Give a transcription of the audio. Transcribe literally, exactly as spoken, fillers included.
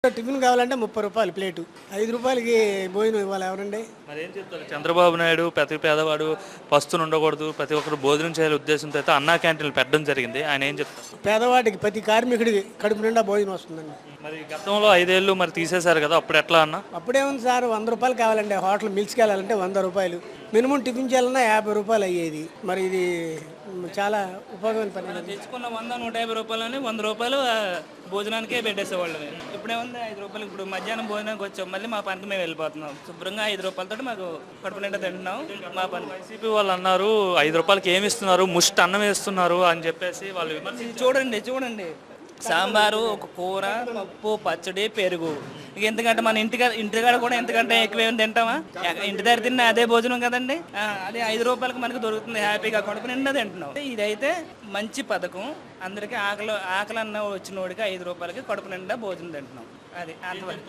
Tiffin కావాలంటే ముప్పై రూపాయలు ప్లేటు, ఐదు రూపాయలకి భోజనం ఇవ్వాలి ఎవరండి? మరి ఏం చెప్తారు చంద్రబాబు నాయుడు ప్రతి పేదవాడు పస్తులు ఉండకూడదు, ప్రతి ఒక్కరు భోజనం చేయాలి ఉద్దేశంతో అయితే అన్నా క్యాంటీన్లు పెట్టడం జరిగింది. ఆయన ఏం చెప్తారు? పేదవాడికి ప్రతి కార్మికుడికి కడుపు నిండా భోజనం వస్తుందండి. మరి గతంలో ఐదేళ్ళు మరి తీసేశారు కదా, అప్పుడు ఎట్లా అన్న? అప్పుడేముంది సార్, వంద రూపాయలు కావాలండి. హోటల్ మిల్స్కి వెళ్ళాలంటే వంద రూపాయలు, మినిమం టిఫిన్ చేయాలన్నా యాభై రూపాయలు అయ్యేది. మరి ఇది చాలా ఉపయోగమైన పని. తెచ్చుకున్న వంద నూట యాభై రూపాయలని వంద రూపాయలు ఆ, భోజనానికే పెట్టేసేవాళ్ళు. ఇప్పుడేముంది ఐదు రూపాయలు. ఇప్పుడు మధ్యాహ్నం భోజనానికి వచ్చాం, మళ్ళీ మా పనికి మేము వెళ్ళిపోతున్నాం. శుభ్రంగా ఐదు రూపాయలతో మాకు కడుపు నిండా తింటున్నాం. మా పని వైసీపీ వాళ్ళు అన్నారు ఐదు రూపాయలకి ఏమి ఇస్తున్నారు, ముష్టి అన్నం వేస్తున్నారు అని చెప్పేసి వాళ్ళు ఇది చూడండి చూడండి సాంబారు, ఒక కూర, పప్పు, పచ్చడి, పెరుగు. ఇక ఎందుకంటే మన ఇంటికి ఇంటికాడ కూడా ఎంతకంటే ఎక్కువ ఏమి తింటామా? ఇంటి దగ్గర తిన్న అదే భోజనం కదండి. ఆ, అదే ఐదు రూపాయలకి మనకు దొరుకుతుంది, హ్యాపీగా కడుపు నిండా తింటున్నాం. ఇదైతే మంచి పథకం. అందరికీ ఆకలి ఆకలి అన్న వచ్చిన వాడికి ఐదు రూపాయలకి కడుపు నిండా భోజనం తింటున్నాం. అది అంతవరకు.